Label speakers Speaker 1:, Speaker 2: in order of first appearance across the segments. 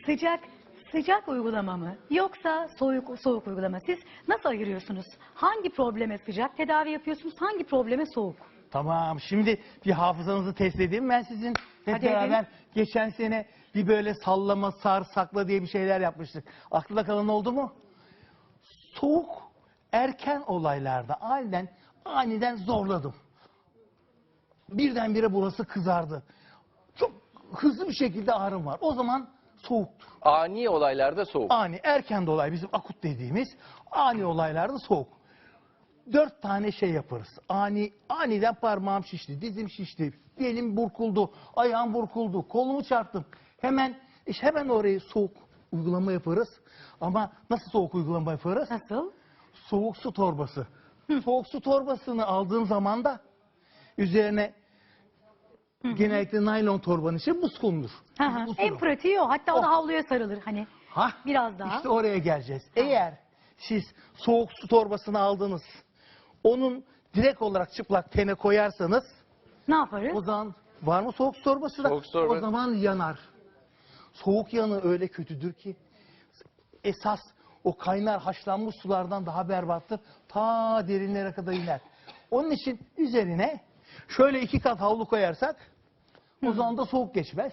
Speaker 1: Sıcak sıcak uygulama mı yoksa soğuk uygulama? Siz nasıl ayırıyorsunuz? Hangi probleme sıcak tedavi yapıyorsunuz? Hangi probleme soğuk?
Speaker 2: Tamam, şimdi bir hafızanızı test edeyim ben sizin. Hep
Speaker 1: Hadi
Speaker 2: beraber
Speaker 1: edin.
Speaker 2: geçen sene bir böyle sallama, sar, sakla diye bir şeyler yapmıştık. Aklında kalan oldu mu? Soğuk erken olaylarda aniden zorladım. Birdenbire burası kızardı. Çok hızlı bir şekilde ağrım var. O zaman soğuktur.
Speaker 3: Ani olaylarda soğuk.
Speaker 2: Ani, erken de olay bizim akut dediğimiz ani olaylarda soğuk. 4 tane şey yaparız. Aniden parmağım şişti, dizim şişti, belim burkuldu, ayağım burkuldu, kolumu çarptım. Hemen oraya soğuk uygulama yaparız. Ama nasıl soğuk uygulama yaparız?
Speaker 1: Nasıl?
Speaker 2: Soğuk su torbası. Soğuk su torbasını aldığın zaman da üzerine genellikle naylon torbanın içine buz konulur.
Speaker 1: Hı hı.
Speaker 2: Buz
Speaker 1: En
Speaker 2: konulur.
Speaker 1: pratiği o. Hatta o da havluya sarılır. Hani biraz daha.
Speaker 2: İşte oraya geleceğiz. Eğer siz soğuk su torbasını aldınız, onun direkt olarak çıplak tene koyarsanız,
Speaker 1: Ne yaparız?
Speaker 2: o zaman var mı soğuk su torbası da?
Speaker 3: Soğuk su torba-
Speaker 2: O zaman yanar. Soğuk yanı öyle kötüdür ki esas o kaynar haşlanmış sulardan daha berbattır. Ta derinlere kadar iner. Onun için üzerine şöyle 2 kat havlu koyarsak o zaman da soğuk geçmez.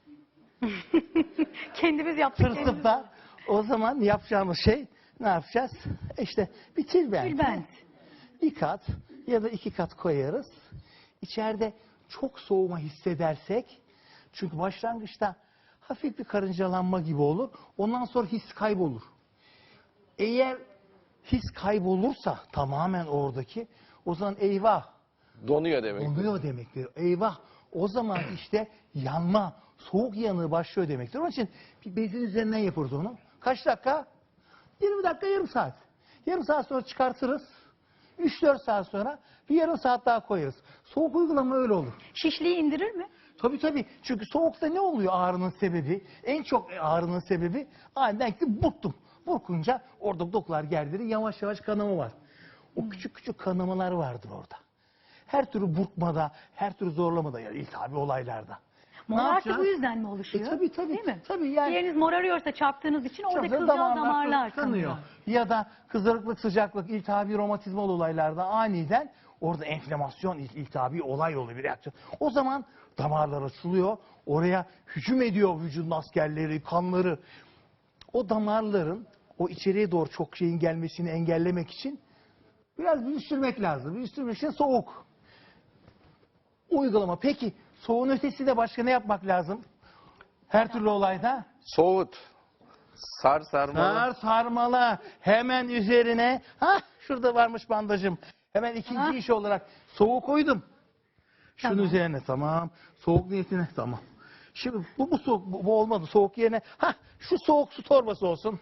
Speaker 1: Kendimiz yaptık.
Speaker 2: Tırsıp da o zaman yapacağımız şey ne yapacağız? İşte bir tülbent.
Speaker 1: Tülbent.
Speaker 2: 1 kat ya da 2 kat koyarız. İçeride çok soğuma hissedersek, çünkü başlangıçta hafif bir karıncalanma gibi olur. Ondan sonra his kaybolur. Eğer his kaybolursa tamamen oradaki, o zaman eyvah,
Speaker 3: Donuyor demek.
Speaker 2: oluyor demektir. Eyvah, o zaman işte yanma, soğuk yanığı başlıyor demektir. Onun için bir bezin üzerinden yaparız onu. Kaç dakika? 20 dakika, yarım saat. Yarım saat sonra çıkartırız. 3-4 saat sonra bir yarım saat daha koyarız. Soğuk uygulama öyle olur.
Speaker 1: Şişliği indirir mi?
Speaker 2: Tabii. Çünkü soğukta ne oluyor ağrının sebebi? En çok ağrının sebebi aniden ki burktum. Burkunca orada dokular gerdirir, yavaş yavaş kanama var. O küçük kanamalar vardır orada. Her türlü burkmada, her türlü zorlamada, yani iltihabi olaylarda.
Speaker 1: Morartı bu yüzden mi oluşuyor?
Speaker 2: Tabii.
Speaker 1: Değil mi?
Speaker 2: Tabii yani.
Speaker 1: Bir yeriniz morarıyorsa çarptığınız için orada
Speaker 2: Çabuk
Speaker 1: kılcal damarlar
Speaker 2: kanıyor.
Speaker 1: kanıyor.
Speaker 2: Ya da kızarıklık, sıcaklık, iltihabi, romatizmal olaylarda aniden orada enflamasyon, iltihabi olay oluyor, bir reaksiyon. O zaman damarlar açılıyor. Oraya hücum ediyor vücudun askerleri, kanları. O damarların o içeriye doğru çok şeyin gelmesini engellemek için biraz büyüstürmek lazım. Büyüstürmek için soğuk uygulama. Peki soğuğun ötesi de başka ne yapmak lazım? Her türlü olayda
Speaker 3: Soğut. Sarmalı.
Speaker 2: sarmala, hemen üzerine, şurada varmış bandajım. Hemen ikinci iş olarak soğuk koydum. Şunun
Speaker 1: Tamam.
Speaker 2: üzerine, tamam. Soğuk niyetine, tamam. Şimdi bu soğuk, bu olmadı. Soğuk yerine şu soğuk su torbası olsun.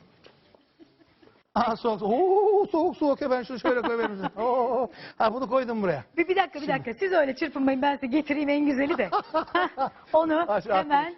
Speaker 2: Soğuk ben şunu şöyle koyayım. Bunu koydum buraya.
Speaker 1: Bir dakika. Siz öyle çırpınmayın, ben size getireyim en güzeli de. Onu hemen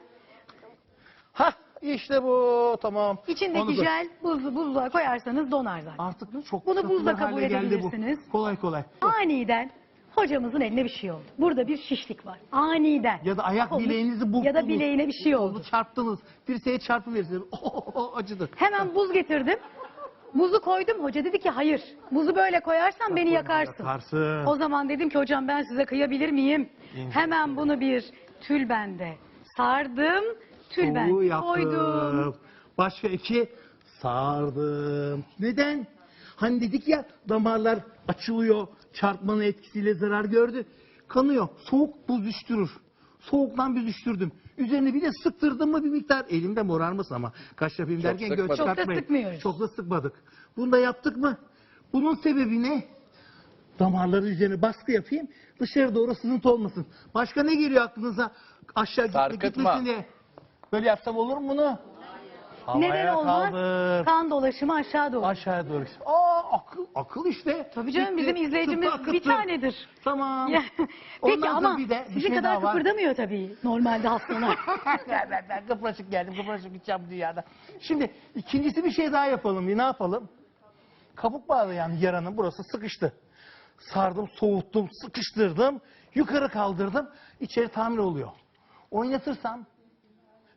Speaker 2: İşte bu, tamam.
Speaker 1: içindeki
Speaker 2: Onu koy.
Speaker 1: jel buzluğa koyarsanız donar zaten.
Speaker 2: Artık çok
Speaker 1: Bunu
Speaker 2: satılır
Speaker 1: buzla kabul
Speaker 2: hale geldi bu.
Speaker 1: edebilirsiniz.
Speaker 2: Kolay.
Speaker 1: Aniden hocamızın eline bir şey oldu. Burada bir şişlik var. Aniden.
Speaker 2: Ya da ayak
Speaker 1: Olmuş.
Speaker 2: bileğinizi burktunuz.
Speaker 1: Ya da bileğine bir şey oldu.
Speaker 2: Oldu, çarptınız. Dirseğe çarpıverirsiniz. Acıdı.
Speaker 1: Hemen buz getirdim. Buzu koydum. Hoca dedi ki hayır. Buzu böyle koyarsan beni yakarsın.
Speaker 2: Yakarsın.
Speaker 1: O zaman dedim ki hocam ben size kıyabilir miyim? Hemen bunu bir tülbende sardım. Tülbende
Speaker 2: yaptım.
Speaker 1: koydum.
Speaker 2: Başka 2 sardım. Neden? Hani dedik ya, damarlar açılıyor. Çarpmanın etkisiyle zarar gördü. Kanıyor. Soğuk buz düştürür. Soğuktan büzüştürdüm. Üzerine bir de sıktırdım mı bir miktar. Elimde morarmasın ama. Kaş yapayım
Speaker 3: Çok
Speaker 2: derken
Speaker 3: sıkmadık.
Speaker 2: göz
Speaker 1: Çok da
Speaker 2: çıkartmayın.
Speaker 1: sıkmıyoruz.
Speaker 2: Çok da sıkmadık. Bunu da yaptık mı? Bunun sebebi ne? Damarları üzerine baskı yapayım. Dışarı doğru sızıntı olmasın. Başka ne geliyor aklınıza? Aşağı
Speaker 3: Sarkıtma.
Speaker 2: gitmesin diye. Böyle yapsam olur mu bunu?
Speaker 1: Neden
Speaker 2: Havaya
Speaker 1: olmaz?
Speaker 2: kaldır.
Speaker 1: Kan dolaşımı aşağı doğru.
Speaker 2: Aşağıya doğru. Akıl işte.
Speaker 1: Tabii canım,
Speaker 2: Bitti.
Speaker 1: bizim izleyicimiz
Speaker 2: Tıpkı
Speaker 1: bir
Speaker 2: akıttı.
Speaker 1: tanedir.
Speaker 2: Tamam.
Speaker 1: Ya,
Speaker 2: Ondan
Speaker 1: Peki
Speaker 2: sonra
Speaker 1: ama
Speaker 2: bir de bir
Speaker 1: sizin
Speaker 2: şey
Speaker 1: kadar
Speaker 2: daha var.
Speaker 1: kıpırdamıyor tabii normalde hastalar.
Speaker 2: Ben kıpraşık geldim. Kıpraşık gideceğim dünyada. Şimdi ikincisi bir şey daha yapalım. Ne yapalım? Kabuk bağlayan yaranın burası sıkıştı. Sardım, soğuttum, sıkıştırdım. Yukarı kaldırdım. İçeri tamir oluyor. Oynatırsam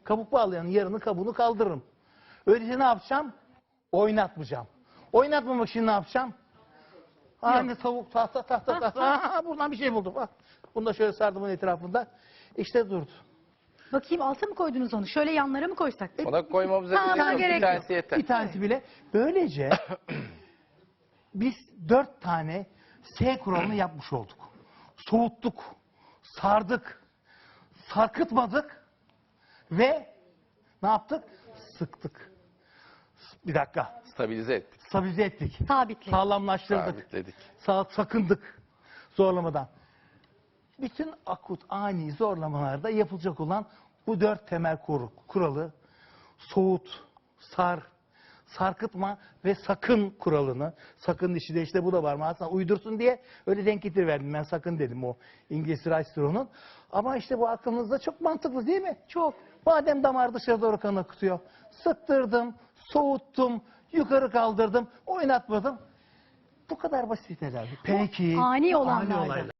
Speaker 2: Kabuk bağlayanın yarını kabuğunu kaldırırım. Öyleyse ne yapacağım? Oynatmayacağım. Oynatmamak için ne yapacağım? Aynı tavuk tahta. Buradan bir şey buldum. Bak. Bunu da şöyle sardım onun etrafında. İşte durdu.
Speaker 1: Bakayım alta mı koydunuz onu? Şöyle yanlara mı koysak?
Speaker 3: Ona koymamıza
Speaker 1: Tamam,
Speaker 3: gerek yok.
Speaker 1: gerek
Speaker 3: Bir
Speaker 1: yok.
Speaker 3: tanesi yeter.
Speaker 2: Bir tanesi bile. Böylece biz 4 tane S kuralını yapmış olduk. Soğuttuk, sardık, sarkıtmadık ve ne yaptık? Sıktık. Bir dakika.
Speaker 3: Stabilize ettik.
Speaker 2: Stabilize ettik.
Speaker 1: Sabitli.
Speaker 2: Sağlamlaştırdık.
Speaker 3: Sabitledik.
Speaker 2: Sakındık zorlamadan. Bütün akut ani zorlamalarda yapılacak olan bu 4 temel kuralı soğut, sarkıtma ve sakın kuralını, sakın işi de işte bu da var mı aslında uydursun diye öyle denk getiriverdim ben sakın dedim o İngiliz Rice'ın. Ama işte bu aklınızda çok mantıklı değil mi?
Speaker 1: Çok.
Speaker 2: Madem damar dışarı doğru kan akıtıyor, sıktırdım, soğuttum, yukarı kaldırdım, oynatmadım. Bu kadar basit tedavi. Peki.
Speaker 1: Ani olanlarda.